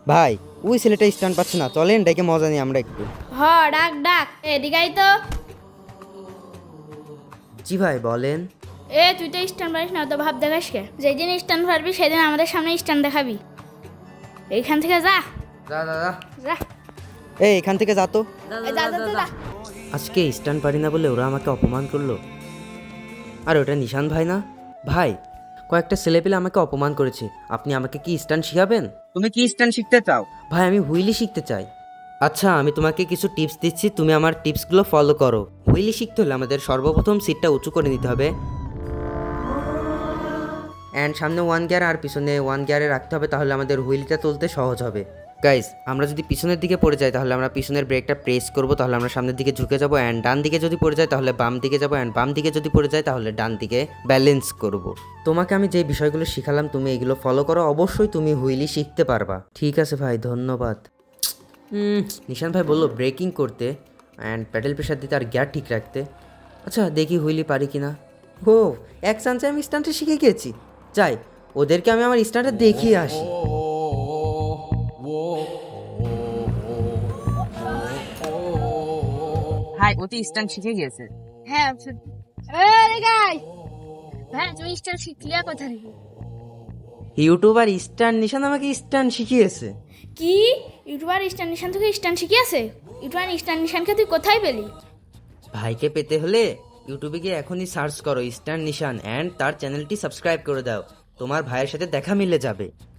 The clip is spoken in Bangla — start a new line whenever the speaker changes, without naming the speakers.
ভাই ওই ছেলেটা স্ট্যান্ড পাচ্ছে না, চলেন ডেকে মজা নিই আমরা একটু।
হ, ডাক ডাক, এদিকে আই তো।
জি ভাই বলেন।
তুই তো স্ট্যান্ড পারিস না, তো ভাব দেখাস কে? যেদিন স্ট্যান্ড পারবি সেদিন আমাদের সামনে স্ট্যান্ড দেখাবি। এইখান থেকে যা
যা যা যা।
যা।
এখান থেকে যা তো।
এই যা যা যা, যা।
আজকে স্ট্যান্ড পারি না বলে ওরা আমাকে অপমান করলো। আর ওটা নিশান ভাই না? ভাই, কয়েকটা ছেলেপেলে আমাকে অপমান করেছে, আপনি আমাকে কি স্ট্যান্ড শিখাবেন?
তুমি কি স্ট্যান্ড শিখতে চাও?
ভাই আমি হুইলি শিখতে চাই। আচ্ছা আমি তোমাকে কিছু টিপস দিচ্ছি, তুমি আমার টিপসগুলো ফলো করো। হুইলি শিখতে হলে আমাদের সর্বপ্রথম সিটটা উঁচু করে নিতে হবে, অ্যান্ড সামনে ওয়ান গিয়ার আর পিছনে ওয়ান গিয়ারে রাখতে হবে, তাহলে আমাদের হুইলটা তুলতে সহজ হবে। গাইজ, আমরা যদি পিছনের দিকে পড়ে যাই তাহলে আমরা পিছনের ব্রেকটা প্রেস করব, তাহলে আমরা সামনের দিকে ঝুঁকে যাব, অ্যান্ড ডান দিকে যদি পড়ে যায় তাহলে বাম দিকে যাব, অ্যান্ড বাম দিকে যদি পড়ে যায় তাহলে ডান দিকে ব্যালেন্স করব। তোমাকে আমি যে বিষয়গুলো শিখালাম তুমি এগুলো ফলো করো, অবশ্যই তুমি হুইলি শিখতে পারবা। ঠিক আছে ভাই, ধন্যবাদ। নিশান ভাই বললো ব্রেকিং করতে, অ্যান্ড প্যাডেল প্রেশার দিতে আর গিয়ার ঠিক রাখতে। আচ্ছা দেখি হুইলি পারি কিনা। ও, এক চান্সে আমি স্ট্যান্ডটা শিখে গিয়েছি। যাই, ওদেরকে আমি আমার স্ট্যান্ডটা দেখিয়ে আসি।
ভাই ও তো স্ট্যান্ড শিখে গিয়েছে।
হ্যাঁ হ্যাঁ, তুমি স্ট্যান্ড শিখলি কোথা থেকে?
ইউটিউবার স্ট্যান্ড নিশান আমাকে স্ট্যান্ড শিখিয়েছে।
কি? ইউটিউবার স্ট্যান্ড নিশান থেকে স্ট্যান্ড শিখিয়েছে? ইউটিউবার স্ট্যান্ড নিশানকে তুই কোথায় পেলি?
ভাইকে পেতে হলে ইউটিউবে গিয়ে এখনই সার্চ করো স্ট্যান্ড নিশান, অ্যান্ড তার চ্যানেলটি সাবস্ক্রাইব করে দাও, তোমার ভাইয়ের সাথে দেখা মিলে যাবে।